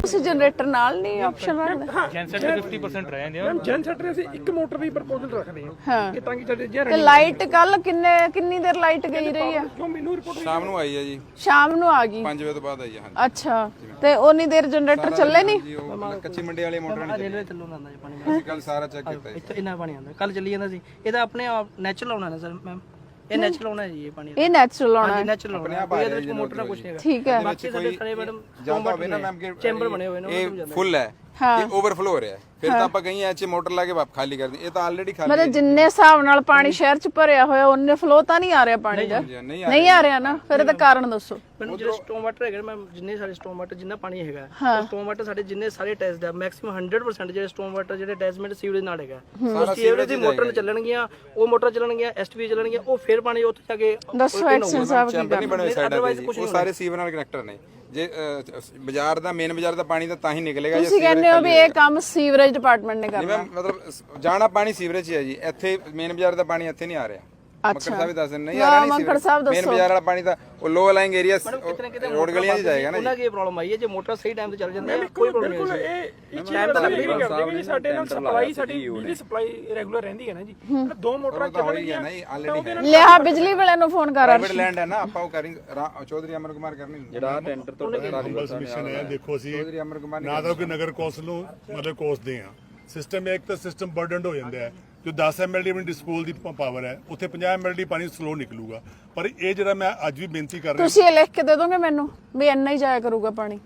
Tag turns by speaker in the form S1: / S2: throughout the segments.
S1: ਤੁਸੀਂ ਜਨਰੇਟਰ ਨਾਲ ਨਹੀਂ ਆਪਸ਼ਨ ਰੱਖਦੇ?
S2: ਜੈਨਸੈਟ 50% ਰਹਿ ਜਾਂਦੇ ਆ
S3: ਮੈਮ ਜੈਨਸੈਟ ਅਸੀਂ ਇੱਕ ਮੋਟਰ ਦੀ ਪ੍ਰਪੋਜ਼ਲ ਰੱਖਦੇ ਹਾਂ ਕਿ ਤਾਂ ਕਿ ਸਾਡੇ ਜੇ
S1: ਤੇ ਲਾਈਟ ਕੱਲ ਕਿੰਨੀ ਦੇਰ ਲਾਈਟ ਗਈ ਰਹੀ ਆ?
S3: ਕਿਉਂ ਮੈਨੂੰ ਰਿਪੋਰਟ
S4: ਸ਼ਾਮ ਨੂੰ ਆਈ ਹੈ ਜੀ,
S1: ਸ਼ਾਮ ਨੂੰ ਆ ਗਈ।
S4: 5 ਵਜੇ ਤੋਂ ਬਾਅਦ ਆਈ ਹੈ। ਹਾਂਜੀ
S1: ਅੱਛਾ, ਤੇ ਉਨੀ ਦੇਰ ਜਨਰੇਟਰ ਚੱਲੇ ਨਹੀਂ?
S4: ਜੀ, ਉਹ ਕੱਚੀ ਮੰਡੀ ਵਾਲੀ ਮੋਟਰ ਨਹੀਂ ਚੱਲੀ।
S5: ਥੱਲੋਂ ਆਉਂਦਾ ਜੀ ਪਾਣੀ,
S4: ਅਸੀਂ ਕੱਲ ਸਾਰਾ ਚੈੱਕ ਕੀਤਾ ਜੀ।
S5: ਇੱਥੇ ਇੰਨਾ ਪਾਣੀ ਆਉਂਦਾ, ਕੱਲ ਚੱਲੀ ਜਾਂਦਾ ਸੀ। ਇਹਦਾ ਆਪਣੇ ਆਪ ਨੈਚੁਰਲ ਆਉਣਾ ਨਾ ਸਰ ਮੈਮ, ਇਹ ਨੈਚੁਰਲ ਆਉਣਾ ਜੀ ਇਹ ਪਾਣੀ,
S1: ਇਹ ਨੈਚੁਰਲ ਆਉਣਾ?
S5: ਨੈਚੁਰਲ ਆਉਣਾ, ਕੋਈ ਇਹਦੇ ਵਿੱਚ ਮੋਟਰ ਨਾ ਕੁਛ ਨਹੀਂ ਹੈਗਾ।
S1: ਠੀਕ ਹੈ।
S5: ਬਾਕੀ ਸਾਡੇ ਸਾਰੇ ਮੈਡਮ
S4: ਜਾਂਦਾ ਹੋਵੇ ਨਾ ਮੈਮ ਕਿ
S5: ਚੈਂਬਰ ਬਣੇ ਹੋਏ ਨੇ,
S4: ਇਹ ਫੁੱਲ ਹੈ, ਇਹ ਓਵਰਫਲੋ ਹੋ ਰਿਹਾ ਹੈ, ਫਿਰ ਤਾਂ ਆਪਾਂ ਕਹੀਂ ਐਚ ਮੋਟਰ ਲਾ ਕੇ ਵਾਪ ਖਾਲੀ ਕਰ ਦੀ। ਇਹ ਤਾਂ ਆਲਰੇਡੀ ਖਾਲੀ
S1: ਮਤਲਬ ਜਿੰਨੇ ਹਿਸਾਬ ਨਾਲ ਪਾਣੀ ਸ਼ਹਿਰ ਚ ਭਰਿਆ ਹੋਇਆ ਉਹਨੇ ਫਲੋ ਤਾਂ ਨਹੀਂ ਆ ਰਿਹਾ ਪਾਣੀ ਦਾ? ਨਹੀਂ ਆ ਰਿਹਾ ਨਾ, ਫਿਰ ਇਹਦਾ ਕਾਰਨ ਦੱਸੋ
S5: ਮੈਨੂੰ। ਜਿਹੜੇ ਸਟੋਮ ਵਾਟਰ ਹੈਗੇ ਮੈਮ, ਜਿੰਨੇ ਸਾਰੇ ਸਟੋਮ ਵਾਟਰ ਜਿੰਨਾ ਪਾਣੀ ਹੈਗਾ, ਸਟੋਮ ਵਾਟਰ ਸਾਡੇ ਜਿੰਨੇ ਸਾਰੇ ਟੈਸਟ ਦਾ ਮੈਕਸਿਮਮ 100% ਜਿਹੜੇ ਸਟੋਮ ਵਾਟਰ ਜਿਹੜੇ ਅਟੈਚਮੈਂਟ ਸੀਵਰੇਜ ਨਾਲ ਹੈਗਾ, ਉਹ ਸੀਵਰੇਜ ਦੀ ਮੋਟਰ ਚੱਲਣਗੀਆਂ, ਉਹ ਮੋਟਰ ਚੱਲਣਗੀਆਂ, ਐਸਟੀਪੀ ਚੱਲਣਗੀਆਂ, ਉਹ ਫਿਰ ਪਾਣੀ ਉੱਥੇ ਜਾ ਕੇ
S1: ਦੱਸੋ ਐਕਸ਼ਨ ਸਾਹਿਬ ਕੀ
S4: ਚੈਂਬਰ ਨਹੀਂ ਬਣੇ ਸਾਈਡਾਂ ਤੇ ਜੀ, ਉਹ ਸਾਰੇ ਸੀਵਰ ਨਾਲ ਕਨੈਕਟਰ ਨੇ। ਜੇ ਬਾਜ਼ਾਰ ਦਾ ਮੇਨ ਬਾਜ਼ਾਰ ਦਾ ਪਾਣੀ ਤਾਂ ਹੀ ਨਿਕਲੇਗਾ।
S1: ਤੁਸੀਂ ਕਹਿੰਦੇ ਹੋ ਵੀ ਇਹ ਕੰਮ ਸੀਵਰੇਜ ਡਿਪਾਰਟਮੈਂਟ ਨੇ ਕਰਨਾ?
S4: ਮਤਲਬ ਜਾਣਾ ਪਾਣੀ ਸੀਵਰੇਜ 'ਚ ਹੈ ਜੀ, ਇੱਥੇ ਮੇਨ ਬਾਜ਼ਾਰ ਦਾ ਪਾਣੀ ਇੱਥੇ ਨਹੀਂ ਆ ਰਿਹਾ। ਮੱਕੜ ਸਾਹਿਬ ਵੀ ਦੱਸ ਦਿੰਦੇ ਨਹੀਂ ਆ ਰਿਹਾ, ਨਹੀਂ
S1: ਮੱਕੜ ਸਾਹਿਬ
S4: ਮੇਨ ਬਾਜ਼ਾਰ ਵਾਲਾ ਪਾਣੀ ਤਾਂ ਉਹ ਲੋ ਅਲਾਈਂਗ ਏਰੀਆ ਰੋਡ ਗਲੀਆਂ 'ਚ ਜਾਏਗਾ ਨਾ ਜੀ।
S5: ਉਹਨਾਂ ਦੀ ਇਹ ਪ੍ਰੋਬਲਮ ਆਈ ਹੈ, ਜੇ ਮੋਟਰ ਸਹੀ ਟਾਈਮ ਤੇ ਚੱਲ ਜਾਂਦੀ ਹੈ ਕੋਈ ਪ੍ਰੋਬਲਮ ਨਹੀਂ ਹੈ।
S3: ਇਹ ਟਾਈਮ ਤਾਂ ਲੱਗਦਾ ਹੀ ਕਰਦੇ ਕਿ ਸਾਡੇ ਨਾਲ ਸਪਲਾਈ, ਸਾਡੀ ਬਿਜਲੀ ਸਪਲਾਈ ਰੈਗੂਲਰ ਰਹਿੰਦੀ ਹੈ ਨਾ ਜੀ। ਦੋ ਮੋਟਰਾਂ ਚੱਲਣਗੀਆਂ
S4: ਨਹੀਂ ਆਲਰੇਡੀ
S1: ਲਿਆ ਬਿਜਲੀ ਵਾਲਿਆਂ ਨੂੰ ਫੋਨ ਕਰ।
S4: ਪ੍ਰਾਈਵੇਟ ਲੈਂਡ ਹੈ ਨਾ, ਆਪਾਂ ਉਹ ਕਰੀ ਚੌਧਰੀ ਅਮਰ ਕੁਮਾਰ ਕਰਨੀ ਜਿਹੜਾ ਟੈਂਡਰ ਤੋਂ
S6: ਮਿਸ਼ਨ ਹੈ। ਦੇਖੋ ਅਸੀਂ
S4: ਚੌਧਰੀ ਅਮਰ ਕੁਮਾਰ
S6: ਨਾ ਤਾਂ ਕਿ ਨਗਰ ਕੌਂਸਲ ਨੂੰ ਮਤਲਬ ਕੋਸਦੇ ਆ, ਸਿਸਟਮ ਇੱਕ ਤਾਂ ਸਿਸਟਮ ਬਰਡਨਡ ਹੋ ਜਾਂਦਾ ਹੈ। ਜੋ 10 ਐਮਐਲਡੀ ਆਪਣੀ ਡਿਸਪੋਲ ਦੀ ਪਾਵਰ ਹੈ, ਉੱਥੇ 50 ਐਮਐਲਡੀ ਪਾਣੀ ਸਲੋ ਨਿਕਲੂਗਾ। ਪਰ ਇਹ ਜਿਹੜਾ ਮੈਂ ਅੱਜ ਵੀ ਬੇਨਤੀ ਕਰ ਰਿਹਾ,
S1: ਤੁਸੀਂ ਇਹ ਲਿਖ ਕੇ ਦੇ ਦੋਗੇ ਮੈਨੂੰ ਵੀ ਇੰਨਾ ਹੀ ਜਾਇਆ ਕਰੂਗਾ ਪਾਣੀ,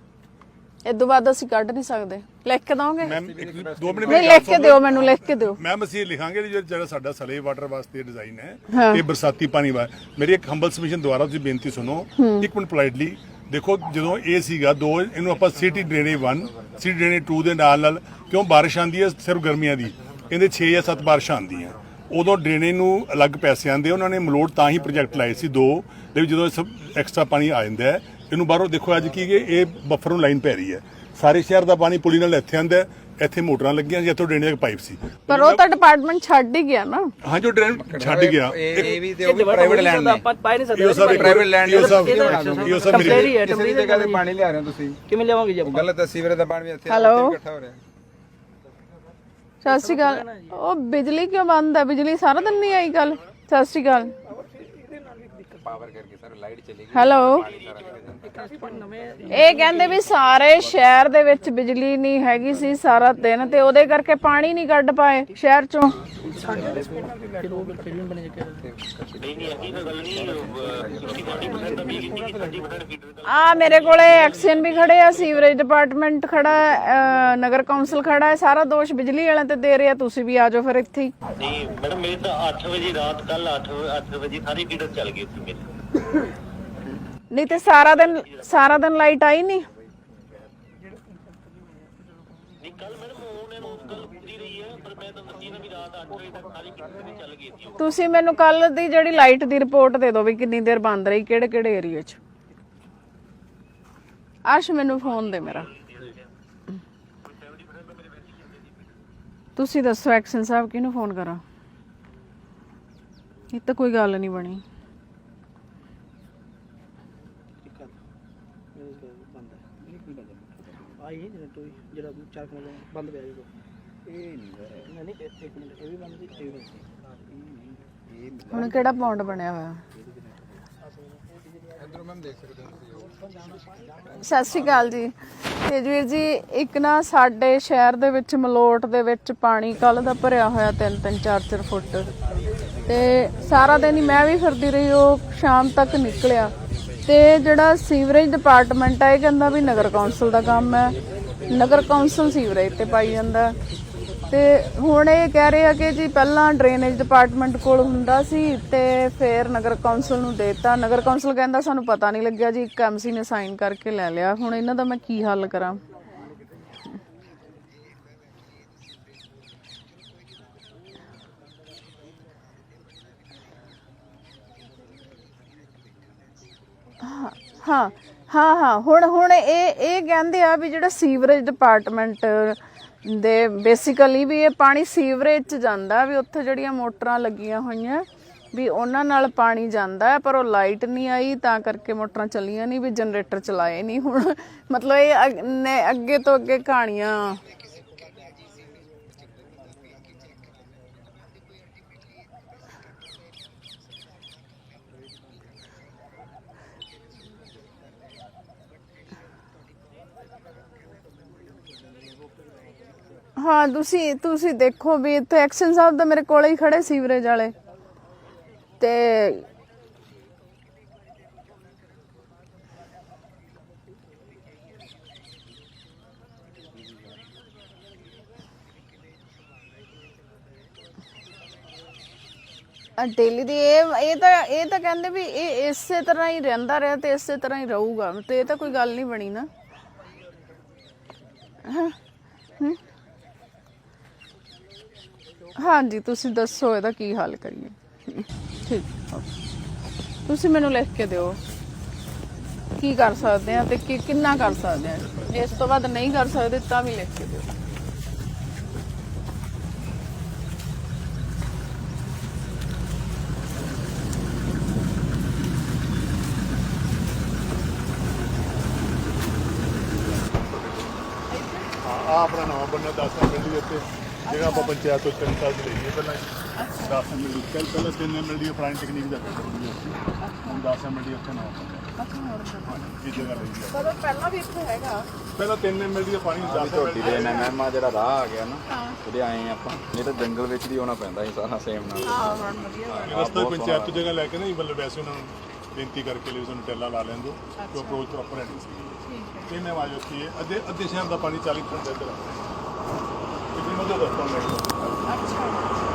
S1: ਇਸ ਤੋਂ ਬਾਅਦ ਅਸੀਂ ਕੱਢ ਨਹੀਂ ਸਕਦੇ? ਲਿਖ ਕੇ ਦੋਗੇ?
S6: ਮੈਮ 2 ਮਿੰਟ
S1: ਨਹੀਂ, ਲਿਖ ਕੇ ਦਿਓ ਮੈਨੂੰ, ਲਿਖ ਕੇ ਦਿਓ।
S6: ਮੈਮ ਅਸੀਂ ਲਿਖਾਂਗੇ ਜਿਹੜਾ ਸਾਡਾ ਸਲੇ ਵਾਟਰ ਵਾਸਤੇ ਡਿਜ਼ਾਈਨ ਹੈ, ਇਹ ਬਰਸਾਤੀ ਪਾਣੀ ਵਾ। ਮੇਰੀ ਇੱਕ ਹੰਬਲ ਸਬਮਿਸ਼ਨ ਦੁਆਰਾ ਤੁਸੀਂ ਬੇਨਤੀ ਸੁਣੋ ਇੱਕ ਮਿੰਟ ਪੋਲਾਈਟਲੀ। ਦੇਖੋ ਜਦੋਂ ਇਹ ਸੀਗਾ ਦੋ, ਇਹਨੂੰ ਆਪਾਂ ਸਿਟੀ ਡਰੇਨੇਜ 1 ਸਿਟੀ ਡਰੇਨੇਜ 2 ਦੇ ਨਾਲ ਕਿਉਂ ਬਾਰਿਸ਼ ਆਉਂਦੀ ਹੈ ਸਿਰਫ ਗਰਮੀਆਂ ਦੀ, ਇਹਦੇ 6 ਜਾਂ 7 ਬਾਰਿਸ਼ਾਂ ਆਉਂਦੀਆਂ, ਉਦੋਂ ਡਰੇਨੇਜ ਨੂੰ ਅਲੱਗ ਪੈਸੇ ਆਉਂਦੇ। ਉਹਨਾਂ ਨੇ ਮਲੋਟ ਤਾਂ ਹੀ ਪ੍ਰੋਜੈਕਟ ਲਾਏ ਸੀ 2 ਦੇ ਵਿੱਚ, ਜਦੋਂ ਸਭ ਐਕਸਟਰਾ ਪਾਣੀ ਆ ਜਾਂਦਾ ਹੈ ਇਹਨੂੰ ਬਾਹਰੋਂ ਦੇਖੋ ਅੱਜ ਕੀ ਇਹ ਬਫਰ ਨੂੰ ਲਾਈਨ ਪੈ ਰਹੀ ਹੈ। ਸਾਰੇ ਸ਼ਹਿਰ ਦਾ ਪਾਣੀ ਪੁਲੀ ਨਾਲ ਇੱਥੇ ਆਉਂਦਾ, ਇੱਥੇ ਮੋਟਰਾਂ ਲੱਗੀਆਂ ਸੀ, ਇੱਥੋਂ ਡਰੇਨੇਜ ਪਾਈਪ ਸੀ।
S1: ਪਰ ਉਹ ਤਾਂ ਡਿਪਾਰਟਮੈਂਟ ਛੱਡ ਹੀ ਗਿਆ ਨਾ।
S6: ਹਾਂ ਜੋ ਡਰੇਨ ਛੱਡ ਗਿਆ,
S4: ਇਹ ਵੀ ਤੇ ਉਹ ਵੀ ਪ੍ਰਾਈਵੇਟ ਲੈਂਡ ਨੇ,
S5: ਆਪਾਂ ਪਾਈ ਨਹੀਂ ਸਕਦੇ।
S6: ਇਹ ਸਭ
S4: ਪ੍ਰਾਈਵੇਟ ਲੈਂਡ
S6: ਇਹ ਸਭ
S5: ਟੈਂਪਰੇਰੀ ਹੈ,
S4: ਕਿਸੇ ਦੀ ਜਗ੍ਹਾ ਤੇ ਪਾਣੀ ਲਿਆ ਰਹੇ ਹੋ ਤੁਸੀਂ,
S5: ਕਿਵੇਂ ਲਿਆਵਾਂਗੇ ਜੀ ਆਪਾਂ?
S4: ਗਲਤ ਹੈ। ਸੀਵਰੇਜ ਦਾ ਪਾਣੀ ਵੀ ਇੱਥੇ
S1: ਹੈਲੋ।
S4: ਇਕੱਠਾ ਹੋ ਰਿਹਾ।
S1: ਸਤਿ ਸ਼੍ਰੀ ਅਕਾਲ। ਉਹ ਬਿਜਲੀ ਕਿਉਂ ਬੰਦ ਹੈ? ਬਿਜਲੀ ਸਾਰਾ ਦਿਨ ਨਹੀਂ ਆਈ ਕੱਲ? ਸਤਿ ਸ਼੍ਰੀ ਅਕਾਲ।
S4: ਪਾਵਰ ਕਰਕੇ ਸਰ ਲਾਈਟ ਚਲੀ ਗਈ।
S1: ਹੈਲੋ। ਇਹ ਕਹਿੰਦੇ ਵੀ ਸਾਰੇ ਸ਼ਹਿਰ ਦੇ ਵਿੱਚ ਬਿਜਲੀ ਨਹੀਂ ਹੈਗੀ ਸੀ ਸਾਰਾ ਦਿਨ, ਤੇ ਉਹਦੇ ਕਰਕੇ ਪਾਣੀ ਨਹੀਂ ਕੱਢ ਪਾਏ ਸ਼ਹਿਰ ਚੋਂ। ਆ ਮੇਰੇ ਕੋਲੇ ਐਕਸ਼ਨ ਵੀ ਖੜੇ ਆ, ਸੀਵਰੇਜ ਡਿਪਾਰਟਮੈਂਟ ਖੜਾ ਹੈ, ਨਗਰ ਕੌਂਸਲ ਖੜਾ ਹੈ, ਸਾਰਾ ਦੋਸ਼ ਬਿਜਲੀ ਵਾਲਿਆਂ ਤੇ ਦੇ ਰਿਹਾ। ਤੁਸੀਂ ਵੀ ਆ ਜਾਓ ਫਿਰ ਇੱਥੇ ਹੀ।
S7: ਨਹੀਂ ਮੈਡਮ, ਮੇਰੇ ਤਾਂ 8 ਵਜੇ ਰਾਤ ਕੱਲ 8 ਵਜੇ ਸਾਰੀ ਫੀਡਰ ਚੱਲ ਗਈ ਸੀ ਮੇਰੇ।
S1: ਨਹੀਂ ਤੇ ਸਾਰਾ ਦਿਨ ਲਾਈਟ ਆਈ ਨਹੀਂ?
S7: ਨਹੀਂ ਕੱਲ ਮੈਡਮ ਉਹਨਾਂ ਨੂੰ ਕੱਲ ਪੂਰੀ ਰਹੀ ਹੈ, ਪਰ ਮੈਂ ਤਾਂ ਦੱਸੀ ਨਾ ਵੀ ਰਾਤ 8 ਵਜੇ ਤੱਕ ਸਾਰੀ ਫੀਡਰ ਚੱਲ ਗਈ ਸੀ।
S1: ਤੁਸੀਂ ਮੈਨੂੰ ਕੱਲ ਦੀ ਜਿਹੜੀ ਲਾਈਟ ਦੀ ਰਿਪੋਰਟ ਦੇ ਦਿਓ ਵੀ ਕਿੰਨੀ ਦੇਰ ਬੰਦ ਰਹੀ, ਕਿਹੜੇ ਏਰੀਆ 'ਚ। ਅਰਸ਼ ਮੈਨੂੰ ਫੋਨ ਦੇ ਮੇਰਾ। ਤੁਸੀਂ ਦੱਸੋ ਐਕਸ਼ਨ ਸਾਹਿਬ ਕਿਹਨੂੰ ਫੋਨ ਕਰਾਂ? ਇਹ ਤਾਂ ਕੋਈ ਗੱਲ ਨਹੀਂ ਬਣੀ।
S5: ਆਈ ਜਿਹੜਾ 4 ਕਿਲੋ ਬੰਦ ਪਿਆ ਜੀ, ਇਹ ਨਹੀਂ ਇੱਕ ਮਿੰਟ, ਇਹ ਵੀ ਬੰਦ ਸੀ, ਇਹ ਵੀ ਬੰਦ ਸੀ।
S1: ਹੁਣ ਕਿਹੜਾ ਪੌਂਡ ਬਣਿਆ ਹੋਇਆ?
S4: ਇਧਰੋਂ ਮੈਮ ਦੇਖ ਸਕਦੇ ਹੋ।
S1: ਸਤਿ ਸ਼੍ਰੀ ਅਕਾਲ ਜੀ। ਤੇਜਵੀਰ ਜੀ, ਇੱਕ ਨਾ ਸਾਡੇ ਸ਼ਹਿਰ ਦੇ ਵਿੱਚ ਮਲੋਟ ਦੇ ਵਿੱਚ ਪਾਣੀ ਕੱਲ ਦਾ ਭਰਿਆ ਹੋਇਆ 3-3 4-4 ਫੁੱਟ, ਤੇ ਸਾਰਾ ਦਿਨ ਹੀ ਮੈਂ ਵੀ ਫਿਰਦੀ ਰਹੀ, ਉਹ ਸ਼ਾਮ ਤੱਕ ਨਿਕਲਿਆ। ਤੇ ਜਿਹੜਾ ਸੀਵਰੇਜ ਡਿਪਾਰਟਮੈਂਟ ਹੈ ਇਹ ਕਹਿੰਦਾ ਵੀ ਨਗਰ ਕੌਂਸਲ ਦਾ ਕੰਮ ਹੈ, ਨਗਰ ਕੌਂਸਲ ਸੀਵਰੇਜ ਤੇ ਪਾਈ ਜਾਂਦਾ। ਤੇ ਹੁਣ ਇਹ ਕਹਿ ਰਹੇ ਆ ਕਿ ਜੀ ਪਹਿਲਾਂ ਡਰੇਨੇਜ ਡਿਪਾਰਟਮੈਂਟ ਕੋਲ ਹੁੰਦਾ ਸੀ ਤੇ ਫਿਰ ਨਗਰ ਕੌਂਸਲ ਨੂੰ ਦੇਤਾ। ਨਗਰ ਕੌਂਸਲ ਕਹਿੰਦਾ ਸਾਨੂੰ ਪਤਾ ਨਹੀਂ ਲੱਗਿਆ ਜੀ, ਇੱਕ ਐਮਸੀ ਨੇ ਸਾਈਨ ਕਰਕੇ ਲੈ ਲਿਆ। ਹੁਣ ਇਹਨਾਂ ਦਾ ਮੈਂ ਕੀ ਹੱਲ ਕਰਾਂ? ਹਾਂ ਹੁਣ ਇਹ ਕਹਿੰਦੇ ਆ ਵੀ ਜਿਹੜਾ ਸੀਵਰੇਜ ਡਿਪਾਰਟਮੈਂਟ ਦੇ ਬੇਸਿਕਲੀ ਵੀ ਇਹ ਪਾਣੀ ਸੀਵਰੇਜ 'ਚ ਜਾਂਦਾ, ਵੀ ਉੱਥੇ ਜਿਹੜੀਆਂ ਮੋਟਰਾਂ ਲੱਗੀਆਂ ਹੋਈਆਂ ਵੀ ਉਹਨਾਂ ਨਾਲ ਪਾਣੀ ਜਾਂਦਾ ਹੈ, ਪਰ ਉਹ ਲਾਈਟ ਨਹੀਂ ਆਈ ਤਾਂ ਕਰਕੇ ਮੋਟਰਾਂ ਚੱਲੀਆਂ ਨਹੀਂ, ਵੀ ਜਨਰੇਟਰ ਚਲਾਏ ਨਹੀਂ। ਹੁਣ ਮਤਲਬ ਇਹ ਅੱਗੇ ਤੋਂ ਅੱਗੇ ਕਹਾਣੀਆਂ। ਹਾਂ ਤੁਸੀਂ ਦੇਖੋ ਵੀ ਇੱਥੇ ਐਕਸ਼ਨ ਸਾਹਿਬ ਦਾ ਮੇਰੇ ਕੋਲੇ ਹੀ ਖੜੇ ਸੀਵਰੇਜ ਵਾਲੇ ਤੇ ਡੇਲੀ ਦੀ ਇਹ ਤਾਂ ਕਹਿੰਦੇ ਵੀ ਇਹ ਇਸੇ ਤਰ੍ਹਾਂ ਹੀ ਰਹਿੰਦਾ ਰਿਹਾ ਤੇ ਇਸੇ ਤਰ੍ਹਾਂ ਹੀ ਰਹੂਗਾ, ਤੇ ਇਹ ਤਾਂ ਕੋਈ ਗੱਲ ਨਹੀਂ ਬਣੀ ਨਾ। ਹਾਂਜੀ ਤੁਸੀਂ ਦੱਸੋ ਇਹਦਾ ਕੀ ਹੱਲ ਕਰੀਏ। ਠੀਕ, ਤੁਸੀਂ ਮੈਨੂੰ ਲਿਖ ਕੇ ਦਿਓ ਕੀ ਕਰ ਸਕਦੇ ਆ ਤੇ ਕਿੰਨਾ ਕਰ ਸਕਦੇ ਆ। ਜੇ ਇਸ ਤੋਂ ਬਾਅਦ ਨਹੀਂ ਕਰ ਸਕਦੇ ਤਾਂ ਵੀ ਲਿਖ ਕੇ ਦਿਓ।
S6: ਆਪਣਾ ਨਵਾਂ ਬੰਨਾ 10 ਮਿੰਟ ਦੀ ਉੱਤੇ ਜਿਹੜਾ ਆਪਾਂ ਪੰਚਾਇਤ ਤੋਂ 3 ਸਾਲ ਦੀ ਲਈਏ ਪਹਿਲਾਂ 10 ਮਿੰਟ ਦੀ ਪਹਿਲਾਂ 3 ਮਿੰਟ ਦੀ ਪੁਰਾਣੀ ਟੈਕਨੀਕ ਦਾ ਹੁਣ 10 ਮਿੰਟ ਦੀ ਉੱਥੇ ਨਵਾਂ ਬੰਨਾ। ਇਹ ਜਗ੍ਹਾ ਲਈ ਹੈ
S1: ਪਰ ਪਹਿਲਾਂ ਵੀ ਇੱਥੇ ਹੈਗਾ,
S6: ਪਹਿਲਾਂ 3 ਮਿੰਟ ਦੀ ਪਾਣੀ 10
S4: ਝੋਟੀ ਦੇ ਮਹਿਮਾ ਜਿਹੜਾ ਰਾਹ ਆ ਗਿਆ ਨਾ ਉਹਦੇ ਆਏ ਆਪਾਂ, ਨਹੀਂ ਤਾਂ ਜੰਗਲ ਵਿੱਚ ਦੀ ਆਉਣਾ ਪੈਂਦਾ ਸੀ ਸਾਰਾ ਸੇਮ ਨਾਲ।
S1: ਹਾਂ ਬੜਾ ਵਧੀਆ।
S6: ਰਸਤਾ ਪੰਚਾਇਤ ਤੋਂ ਜਗ੍ਹਾ ਲੈ ਕੇ ਨਾ ਮਤਲਬ ਵੈਸੇ ਉਹਨਾਂ ਨੂੰ ਬੇਨਤੀ ਕਰਕੇ ਲਈ ਸਾਨੂੰ ਟੈਲਾ ਲਾ ਲੈਣ ਦਿਓ ਕਿ ਅਪਰੋਚ ਪ੍ਰੋਪਰ ਹੈ ਨਹੀਂ ਸੀ। ਇਹਨੇ ਆਵਾਜ਼ ਉੱਠੀ ਹੈ ਅੱਧੇ ਸ਼ਹਿਰ ਦਾ ਪਾਣੀ 40% ਇੱਧਰ ਆ ਕਿੰਨੀ ਮਦਦ ਦੱਸਦਾ ਮੈਂ।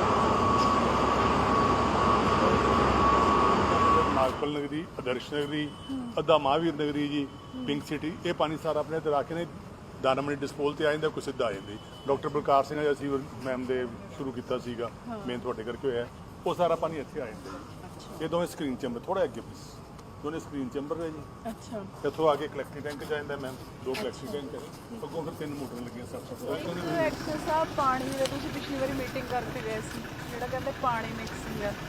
S6: ਨਾਗਪਲ ਨਗਰੀ, ਆਦਰਸ਼ ਨਗਰੀ, ਅੱਧਾ ਮਹਾਂਵੀਰ ਨਗਰੀ ਜੀ, ਪਿੰਕ ਸਿਟੀ, ਇਹ ਪਾਣੀ ਸਾਰਾ ਆਪਣੇ ਇੱਧਰ ਆ ਕੇ ਨੇ ਦਾਨਾਮਣੀ ਡਿਸਪੋਲ ਤੇ ਆ ਜਾਂਦਾ, ਕੋਈ ਸਿੱਧਾ ਆ ਜਾਂਦੀ। ਡਾਕਟਰ ਬਲਕਾਰ ਸਿੰਘ ਨੇ ਅਸੀਂ ਮੈਮ ਦੇ ਸ਼ੁਰੂ ਕੀਤਾ ਸੀਗਾ, ਮੇਨ ਤੁਹਾਡੇ ਕਰਕੇ ਹੋਇਆ, ਉਹ ਸਾਰਾ ਪਾਣੀ ਇੱਥੇ ਆ ਜਾਂਦਾ। ਇਹ ਦੋਵੇਂ ਸਕਰੀਨ ਚੈਂਬਰ ਥੋੜਾ ਅੱਗੇ ਪਲੀਜ਼, ਦੋਨੇ ਸਕਰੀਨ ਚੈਂਬਰ ਹੈ ਜੀ।
S1: ਅੱਛਾ,
S6: ਇੱਥੋਂ ਆ ਕੇ ਕਲੈਕਟਿੰਗ ਟੈਂਕ ਜਾਂਦਾ ਮੈਮ, 2 ਕਲੈਕਟਿੰਗ ਟੈਂਕ ਹੈ, ਅੱਗੋਂ ਫਿਰ 3 ਮੋਟਰਾਂ ਲੱਗੀਆਂ ਸਭ।
S1: ਐਕਸ਼ਨ ਸਾਹਿਬ ਪਾਣੀ ਦੇ ਤੁਸੀਂ ਪਿਛਲੀ ਵਾਰੀ ਮੀਟਿੰਗ ਕਰਕੇ ਗਏ ਸੀ, ਜਿਹੜਾ ਕਹਿੰਦੇ ਪਾਣੀ ਮਿਕਸਿੰਗ ਆ।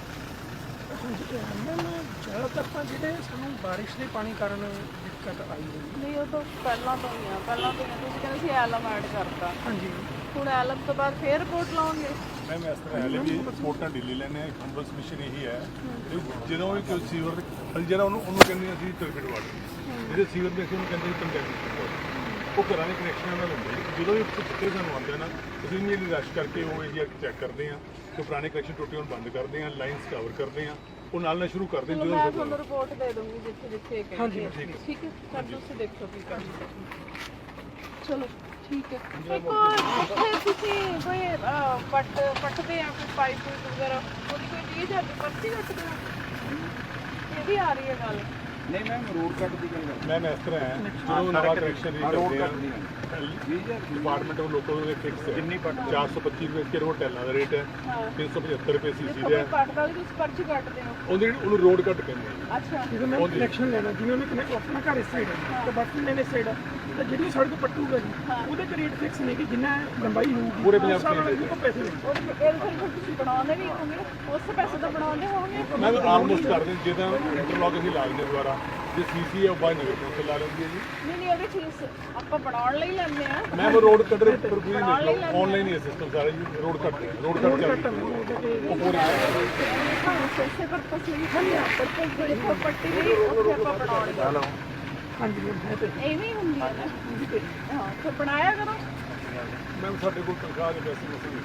S3: ਜ਼ਿਆਦਾਤਰ ਤਾਂ ਜਿਹੜੇ ਸਾਨੂੰ ਬਾਰਿਸ਼ ਦੇ ਪਾਣੀ ਕਾਰਨ ਦਿੱਕਤ ਆਈ ਹੋਈ।
S1: ਨਹੀਂ ਉਹ ਤਾਂ ਪਹਿਲਾਂ ਤੋਂ ਹੀ ਆ, ਤੁਸੀਂ ਕਹਿੰਦੇ ਸੀ ਐਲਮ ਐਡ ਕਰਤਾ।
S3: ਹਾਂਜੀ,
S1: ਹੁਣ ਐਲਮ ਤੋਂ ਬਾਅਦ ਫੇਰ ਰਿਪੋਰਟ ਲਾਉਂਗੇ।
S6: ਮੈਮ ਇਸ ਤਰ੍ਹਾਂ ਹੈ ਵੀ ਰਿਪੋਰਟਾਂ ਢਿੱਲੀ ਲੈਣੇ ਆ। ਹੰਬਲ ਸਬਮਿਸ਼ਨ ਇਹੀ ਹੈ ਜਦੋਂ ਵੀ ਕੋਈ ਸੀਵਰ ਜਿਹੜਾ ਉਹਨੂੰ ਕਹਿੰਦੇ ਅਸੀਂ ਟਰਬਿਡ ਵਾਟਰ, ਜਿਹੜੇ ਸੀਵਰ ਦੇ ਅਸੀਂ ਉਹਨੂੰ ਕਹਿੰਦੇ ਕੰਟੈਕਟ ਵਾਟਰ, ਉਹ ਘਰਾਂ ਦੇ ਕਨੈਕਸ਼ਨਾਂ ਨਾਲ ਹੁੰਦੇ। ਜਦੋਂ ਵੀ ਚਿੱਟੇ ਸਾਨੂੰ ਆਉਂਦੇ ਨਾ ਅਸੀਂ ਇਮੀਡੀਏਟਲੀ ਰਸ਼ ਕਰਕੇ ਉਹ ਏਰੀਆ ਚੈੱਕ ਕਰਦੇ ਹਾਂ ਕਿ ਪੁਰਾਣੇ ਕਨੈਕਸ਼ਨ ਟੁੱਟੇ ਹੋਣ ਬੰਦ ਕਰਦੇ ਹਾਂ, ਲਾਈਨਸ ਕਵਰ ਕਰਦੇ ਹਾਂ, ਉਹ ਨਾਲ ਸ਼ੁਰੂ ਕਰਦੇ ਹਾਂ।
S1: ਮੈਂ ਤੁਹਾਨੂੰ ਰਿਪੋਰਟ ਦੇ ਦੂੰਗੀ ਜਿੱਥੇ
S3: ਹਾਂਜੀ
S1: ਠੀਕ ਹੈ ਸਰ, ਤੁਸੀਂ ਦੇਖੋ ਕੀ ਕਰਨਾ। ਚਲੋ ਠੀਕ ਹੈ। ਇੱਕ ਇੱਥੇ ਤੁਸੀਂ ਕੋਈ ਪੱਟਦੇ ਆ ਕੋਈ ਪਾਈਪ ਵਗੈਰਾ, ਉਹਦੀ ਕੋਈ 30,000 ਦੀ ਪਰਚੀ ਕੱਟਦੇ ਹੋ? ਇਹ ਵੀ ਆ ਰਹੀ ਹੈ ਗੱਲ।
S4: ਨਹੀਂ ਮੈਮ ਰੋਡ ਕੱਟ ਦੀ ਗੱਲ
S6: ਮੈਮ ਇਸ ਤਰ੍ਹਾਂ ਹੈ ਜਦੋਂ ਨਵਾਂ ਕਨੈਕਸ਼ਨ ਕਰਦੇ ਆ ਡਿਪਾਰਟਮੈਂਟ ਉਹ ਲੋਕਲ ਦੇ ਫਿਕਸ ਹੈ, ਜਿੰਨੀ 425 ਰੁਪਏ ਕਿਲੋ ਟੈਲਾਂ ਦਾ ਰੇਟ ਹੈ, 375 ਰੁਪਏ ਸੀਸੀ ਦਾ ਹੈ।
S1: ਕੱਟ ਵਾਲੀ ਤੁਸੀਂ ਪਰਚੀ ਕੱਟਦੇ ਹੋ?
S6: ਉਹਨੂੰ ਰੋਡ ਕੱਟ ਕਹਿੰਦੇ ਆ।
S1: ਅੱਛਾ,
S3: ਜਦੋਂ ਮੈਂ ਕਨੈਕਸ਼ਨ ਲੈਣਾ, ਜਿਵੇਂ ਉਹਨੇ ਆਪਣਾ ਘਰ ਇਸ ਸਾਈਡ ਹੈ ਤੇ ਬਾਕੀ ਮੈਨੇ ਇਸ ਸਾਈਡ ਹੈ, ਤਾਂ ਜਿਹੜੀ ਸੜਕ ਪੱਟੂਗਾ ਜੀ ਉਹਦੇ ਤੇ ਰੇਟ ਫਿਕਸ ਨਹੀਂ ਕਿ ਜਿੰਨਾ ਲੰਬਾਈ ਹੋਊਗੀ
S6: ਪੂਰੇ ਪੰਜਾਬ
S3: ਦੇ ਉਹ ਪੈਸੇ ਲੈਣੇ।
S1: ਇਹ ਫਿਰ ਤੁਸੀਂ ਬਣਾਉਂਦੇ ਵੀ ਹੋਗੇ, ਉਸ ਪੈਸੇ ਤਾਂ ਬਣਾਉਂਦੇ ਹੋਗੇ।
S6: ਮੈਂ ਆਲਮੋਸਟ ਕਰਦੇ ਜਿੱਦਾਂ ਇੰਟਰਲੌਕ ਅਸੀਂ ਲਾ ਦਿੰਦੇ ਦੁਬਾਰਾ, ਜੇ ਸੀਸੀ ਹੈ ਉਹ ਬਾਈ ਨਗਰ ਤੋਂ ਲਾ ਲੈਂਦੀ ਹੈ ਜੀ।
S1: ਨਹੀਂ ਉਹਦੀ ਫੀਸ ਆਪਾਂ ਬਣਾਉਣ ਲਈ ਲੈਂਦੇ ਆ।
S6: ਮੈਂ ਰੋਡ ਕੱਟ ਰਹੇ ਪਰ ਕੋਈ ਨਹੀਂ, ਆਨਲਾਈਨ ਹੀ ਸਿਸਟਮ ਸਾਰਾ ਜੀ। ਰੋਡ ਕੱਟ ਚੱਲਦਾ ਉਹ ਪੂਰੇ
S1: ਪੈਸੇ ਪਰ ਤੁਸੀਂ ਪਰ ਜਿਹੜੀ ਪ੍ਰਾਪਰਟੀ ਦੀ ਉੱਥੇ ਆਪਾਂ ਬਣਾਉਣੀ।
S3: ਹਾਂਜੀ
S1: ਐਵੇਂ ਹੁੰਦੀ ਹੈ ਨਾ। ਹਾਂ ਫਿਰ ਬਣਾਇਆ ਕਰੋ।
S6: ਮੈਮ ਸਾਡੇ ਕੋਲ ਤਨਖਾਹ ਦੇ ਪੈਸੇ ਨਹੀਂ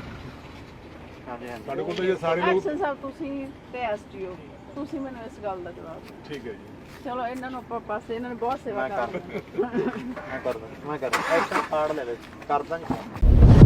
S6: ਸਾਡੇ ਕੋਲ ਤਾਂ ਇਹ ਸਾਰੇ ਲੋਕ।
S1: ਐਕਸ਼ਨ ਸਾਹਿਬ ਤੁਸੀਂ ਤੇ ਐਸਟੀਓ ਤੁਸੀਂ ਮੈਨੂੰ ਇਸ ਗੱਲ ਦਾ ਜਵਾਬ ਦਿਓ।
S6: ਠੀਕ ਹੈ ਜੀ,
S1: ਚਲੋ ਇਹਨਾਂ ਨੂੰ ਆਪਾਂ ਪਾਸੇ, ਇਹਨਾਂ ਨੇ ਬਹੁਤ ਸੇਵਾ ਕਰ
S8: ਮੈਂ ਕਰਦਾ ਐਕਸ਼ਨ ਕਾਰਡ ਲੈ ਲੈ ਕਰਦਾ